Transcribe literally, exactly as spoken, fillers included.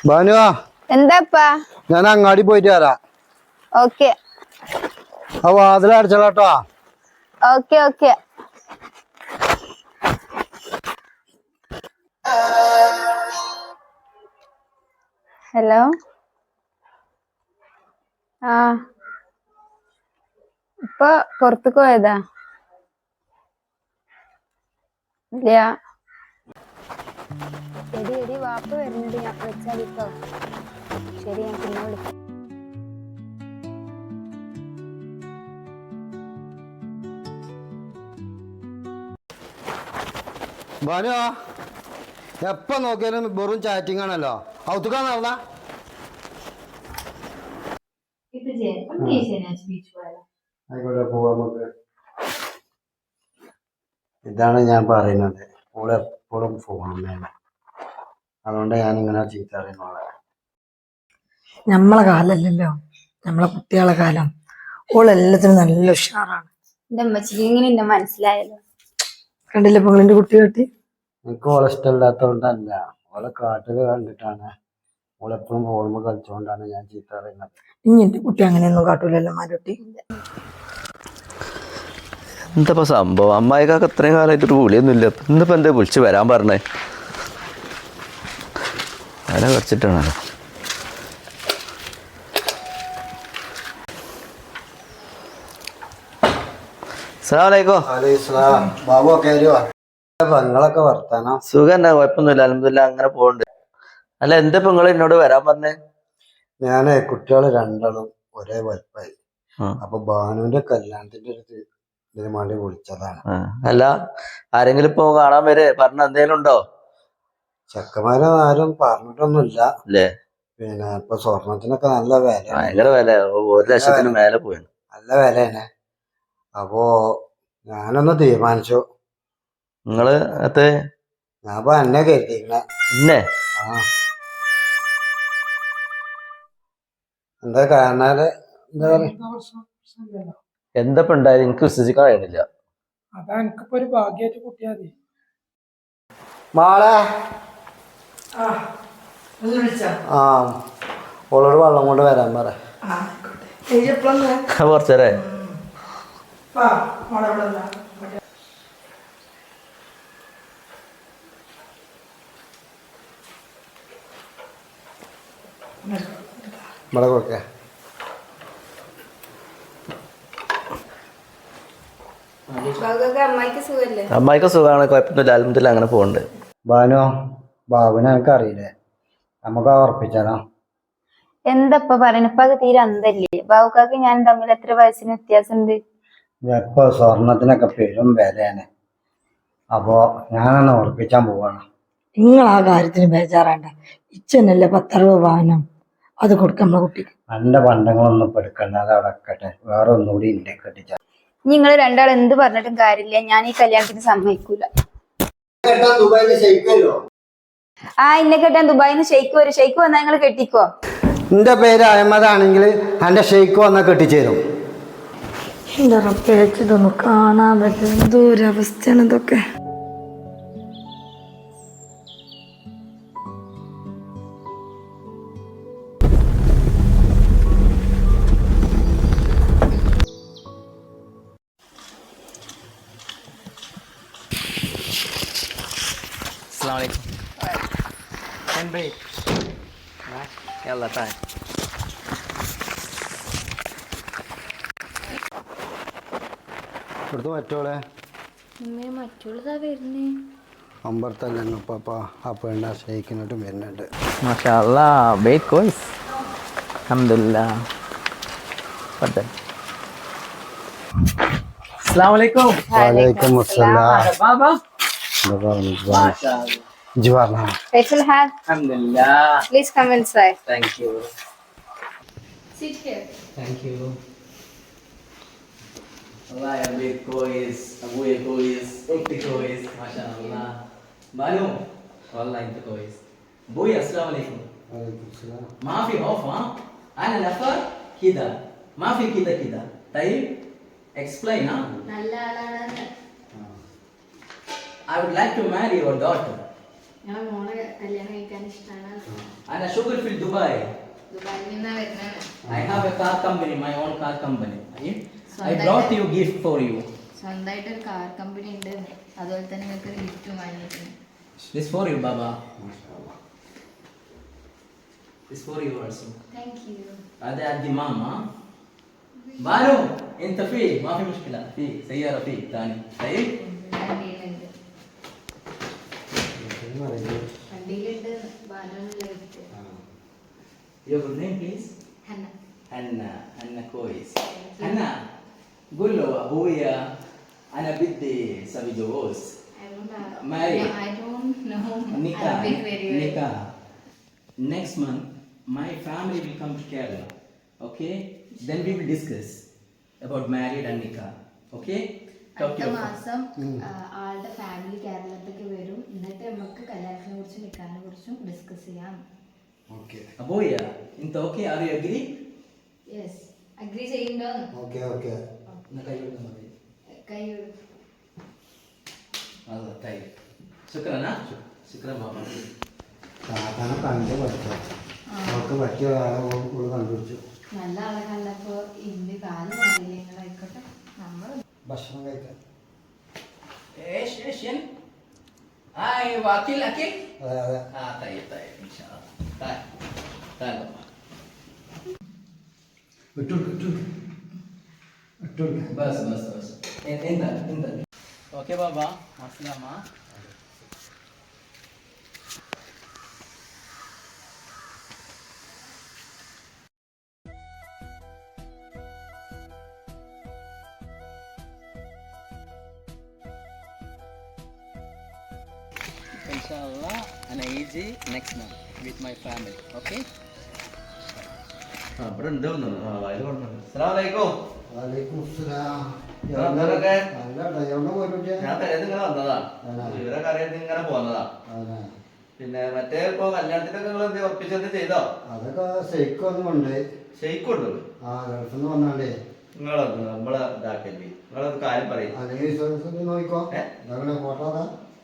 ബാനുവാ എന്താപ്പാ ഞാൻ അങ്ങാടി പോയിട്ട് വരാം. ഓക്കെ ആ വാതിൽ അടച്ചോളാട്ടോ. ഓക്കെ ഓക്കെ ഹലോ ആ ഇപ്പൊ പുറത്തേക്ക് പോയതാ? ഇല്ല. എടി എടി വാപ്പ വരുന്നുണ്ട്, ഞാൻ വെച്ചാലിട്ടോ. ശരി, ഞാൻ പിന്നെ വിളിക്കാം. ബാനുവാ എപ്പ നോക്കിയാലും വെറും ചാറ്റിംഗ് ആണല്ലോ. ഔത്തുക്കാൻ നടന്ന ആയിക്കോട്ടെ, പോവാ നമുക്ക്. ഇതാണ് ഞാൻ പറയുന്നത്, ഓള് എപ്പോഴും ഫോൺ വേണം. അതുകൊണ്ട് ഞാനിങ്ങനെ ചീത്ത അറിയുന്നോളെ. നമ്മളെ കാലല്ലല്ലോ, നമ്മളെ കുട്ടികളെ കാലം. ഓളെല്ലാത്തിനും നല്ല ഉഷാറാണ്. എന്റെ അമ്മച്ചിക്ക് ഇങ്ങനെ എന്നെ മനസ്സിലായല്ലോ. കണ്ടില്ലേ പെങ്ങളിന്റെ കുട്ടി കെട്ടി? എനിക്ക് ഓളെ ഇഷ്ടമില്ലാത്തതുകൊണ്ടല്ല, ഓളെ കാട്ടിൽ കണ്ടിട്ടാണ്. ഓളെപ്പോഴും ഫോണുമ്പോൾ കളിച്ചുകൊണ്ടാണ് ഞാൻ ചീത്ത അറിയുന്നത്. ഇനി എന്റെ കുട്ടി അങ്ങനെയൊന്നും കാട്ടൂലല്ലോ മാരുട്ടി. എന്താ സംഭവം? അമ്മായിക്കാക്ക് ഇത്രയും കാലമായിട്ട് ഒരു വിളിയൊന്നും ഇല്ല. ഇന്നിപ്പോ എന്താ വിളിച്ച് വരാൻ പറഞ്ഞേ? വില കുറച്ചിട്ടാണല്ലോ. പെങ്ങളൊക്കെ വർത്താനം സുഖം തന്നെ, കുഴപ്പമൊന്നുമില്ല, അൽഹംദുലില്ലാ, അങ്ങനെ പോകണ്ട്. അല്ല, എന്താ ഇപ്പൊ നിങ്ങൾ എന്നോട് വരാൻ പറഞ്ഞേ? ഞാനേ കുട്ടികള് രണ്ടാളും ഒരേ വലുപ്പായി. അപ്പൊ ബാനുവിന്റെ കല്യാണത്തിന്റെ ഒരു ഇതിന് വേണ്ടി വിളിച്ചതാണ്. അല്ല, ആരെങ്കിലും ഇപ്പൊ കാണാൻ വരെ പറഞ്ഞ എന്തേലും ഉണ്ടോ? ചെക്കന്മാരെ ആരും പറഞ്ഞിട്ടൊന്നുമില്ല അല്ലേ? പിന്നെ ഇപ്പൊ സ്വർണത്തിനൊക്കെ നല്ല വില, ഭയങ്കര വില, ഒരു ലക്ഷത്തിന് മേലെ പോയി, നല്ല വിലയാണ്. അപ്പോ ഞാനൊന്ന് തീരുമാനിച്ചു. നിങ്ങള് അത് ഞാൻ ഇപ്പൊ എന്നെ കരുതിങ്ങനെ. ഇന്നെ ആ എന്താ കാണാല് എന്താ പറയാ, എന്തപ്പോ ഉണ്ടായത്? എനിക്ക് വിശ്വസിക്കാൻ കഴിയുന്നില്ല. അതാ എനിക്കിപ്പോ ഒരു ഭാഗ്യമായിട്ട് കുട്ടിയാ മതി. മാളെ ആ ഓളോട് വെള്ളം കൊണ്ട് വരാൻ പറ. കുറച്ചേരെ ഇവിടെ കൊടുക്കേ. അമ്മായിക്ക് സുഖല്ലേ? അമ്മായിക്ക് സുഖമാണ്, കുഴപ്പമൊന്നുമില്ല, അൽഹംദുലില്ലാ, അങ്ങനെ പോകുന്നുണ്ട്. ബാനു ബാബുനെ എനിക്ക് അറിയില്ലേ, നമുക്ക് ഉറപ്പിച്ചാലോ? എന്തപ്പ പറയണ? ഇപ്പൊ അത് തീരെ അന്തല്ലേ. ബാബുക്കാക്ക് ഞാൻ തമ്മിൽ എത്ര വയസ്സിന് വ്യത്യാസമുണ്ട്? ഇപ്പൊ സ്വർണത്തിനൊക്കെ പെരും വിലയാണ്. അപ്പോ ഞാനൊന്ന് ഉറപ്പിച്ചാൻ പോവാണ്. നിങ്ങൾ ആ കാര്യത്തിന് ബേജാറാണ്ട. ഇച്ചനല്ലേ പത്തറുപത് വാഹനം, അത് കൊടുക്കാം നമ്മളെ കുട്ടിക്ക്. എന്റെ പണ്ടങ്ങളൊന്നും ഇപ്പൊ എടുക്കണ്ട, അത് അവിടെ വെക്കട്ടെ. വേറെ ഒന്നുകൂടി ഉണ്ട് കെട്ടിച്ച. നിങ്ങൾ രണ്ടാൾ എന്ത് പറഞ്ഞിട്ടും കാര്യമില്ല, ഞാൻ ഈ കല്യാണത്തിന് സമ്മതിക്കൂല. ആ ഇന്നെ കെട്ടാൻ ദുബായിന്ന് ഷെയ്ക്ക് വരും. ഷെയ്ക്ക് വന്നാൽ നിങ്ങൾ കെട്ടിക്കോ. എന്റെ പേര് അഹമ്മദാണെങ്കിൽ എന്റെ ഷെയ്ക്ക് വന്നാൽ കെട്ടിച്ചേരും. എന്റെ റബ്ബേച്ച് ഇതൊന്നും കാണാൻ പറ്റും, എന്തോരവസ്ഥയാണ് ഇതൊക്കെ. ഇവിടുത്തെ മറ്റോളെ മറ്റുള്ളതാ വരുന്നേ. അമ്പർത്തല്ലപ്പ ആ പെണ്ണ ഷെയ്ക്കിനോട്ടും വരുന്നുണ്ട്. മാഷാ അല്ലാഹ്, ബേറ്റ് കോയ്സ്, അൽഹംദുലില്ലാ. അസ്സലാമു അലൈക്കും. വലൈക്കും അസ്സലാം. Baba ജിവാർന. Faisal have. Alhamdulillah. Please come inside. Thank you. Sit here. Thank you. Allah ya big boys, Abu ya boys, Ukti boys, mashallah. Manu, Allah inta boys. Boy, assalamu alaikum. Walaikum assalam. ما في خوف ها؟ أنا نفر كذا، ما في كذا كذا. طيب explain ها. നല്ല ആളാണ്. I would like to marry your daughter. ഞാൻ മോളെ കല്യാണം കഴിക്കാൻ ഇഷ്ടമാണ്. أنا شغل في دبي. ദുബായിൽ നിന്നാ വരുന്നത്. I have a car company, my own car company. I സ്വന്തമായിട്ട് brought you gift for you. സ്വന്തമായിട്ട് ഒരു കാർ കമ്പനി ഉണ്ട്, അതുപോലെ തന്നെ നിങ്ങൾക്ക് ഒരു ഗിഫ്റ്റും വാങ്ങിയിട്ടുണ്ട്. This for you, Baba. This for you also. Thank you. هذا عندي ماما. بانو انت فيه ما في مشكله، في سياره فيه ثاني طيب. വണ്ടിയിലുണ്ട് വണ്ടിയിലുണ്ട് ബാനുള്ള gift. Your good name please. Hanna. حنا حنا كويس. حنا قول له ابويا انا بدي اسوي جواز. I don't have- Marry. No, I don't know Nikah. Arabic very well. Nikah. Next month my family will come to Kerala. Okay? Then we will discuss about married and nikah. Okay? Talk to അടുത്ത your മാസം ആ, ആളുടെ family കേരളത്തിലേക്ക് വരും. എന്നിട്ട് നമുക്ക് കല്യാണത്തിനെ കുറിച്ചും നിക്കാനെ കുറിച്ചും ഡിസ്കസ് ചെയ്യാം. ഓക്കെ ابويا انت اوكي؟ ار يو اجري؟ യെസ്, അഗ്രി ചെയ്യുന്നുണ്ടോ? ഓക്കെ ഓക്കെ കൈ الله طيب. شكرا ها؟ شكرا بابا. സാധാരണ കണ്ട് പഠിച്ചു അവർക്ക് പറ്റിയ ആളെ ഉള്ളു കണ്ടുപിടിച്ചു. നല്ല ആളെ കണ്ടപ്പോ ഇന്ത്യ കാലം മാറിയില്ല. നിങ്ങളായിക്കോട്ടെ, നമ്മൾ ഭക്ഷണം കഴിക്കാൻ ايش ايش ين؟ هاي واكل اكل؟ അതെ അതെ اه طيب طيب ان شاء الله. تعال تعال بابا. വിട്ടുകൊടുക്ക് വിട്ടുകൊടുക്ക് വിട്ടുകൊടുക്ക് بس بس بس انت انت انت اوكي بابا مع السلامه. ان شاء الله انا يجي next month with my family. okay? ഇവിടെ ഉണ്ട് തോന്നുന്നു. ആ, വയല് കൊണ്ടുണ്ട്. അസ്സലാമലൈക്കും. വലൈക്കും അസ്സലാം. ആ, എന്തൊക്കെ? നല്ല ഡ്രൈവറിനെ പോയിട്ട് ഞാൻ തലേന്ന് ഇങ്ങനെ വന്നതാ. ആണോ? ഇവരൊക്കെ അറിയാൻ ഇങ്ങനെ പോന്നതാ. പിന്നെ മറ്റേ ഇപ്പൊ കല്യാണത്തിനൊക്കെ നിങ്ങൾ എന്ത് ഉറപ്പിച്ചെന്ത് ചെയ്തോ? അതൊക്കെ ശരിക്കൊന്നും ഉണ്ട്. ഷെയ്ക്കുണ്ട്. ആ ഗൾഫെന്ന് പറഞ്ഞാണ്ടേ നിങ്ങളൊന്ന് നമ്മളെ ഇതാക്കല്ലേ. നിങ്ങളൊരു കാര്യം പറയും. അല്ലെങ്കിൽ നോക്കിക്കോ ഏ? അതങ്ങനെ ഫോട്ടോ അതാ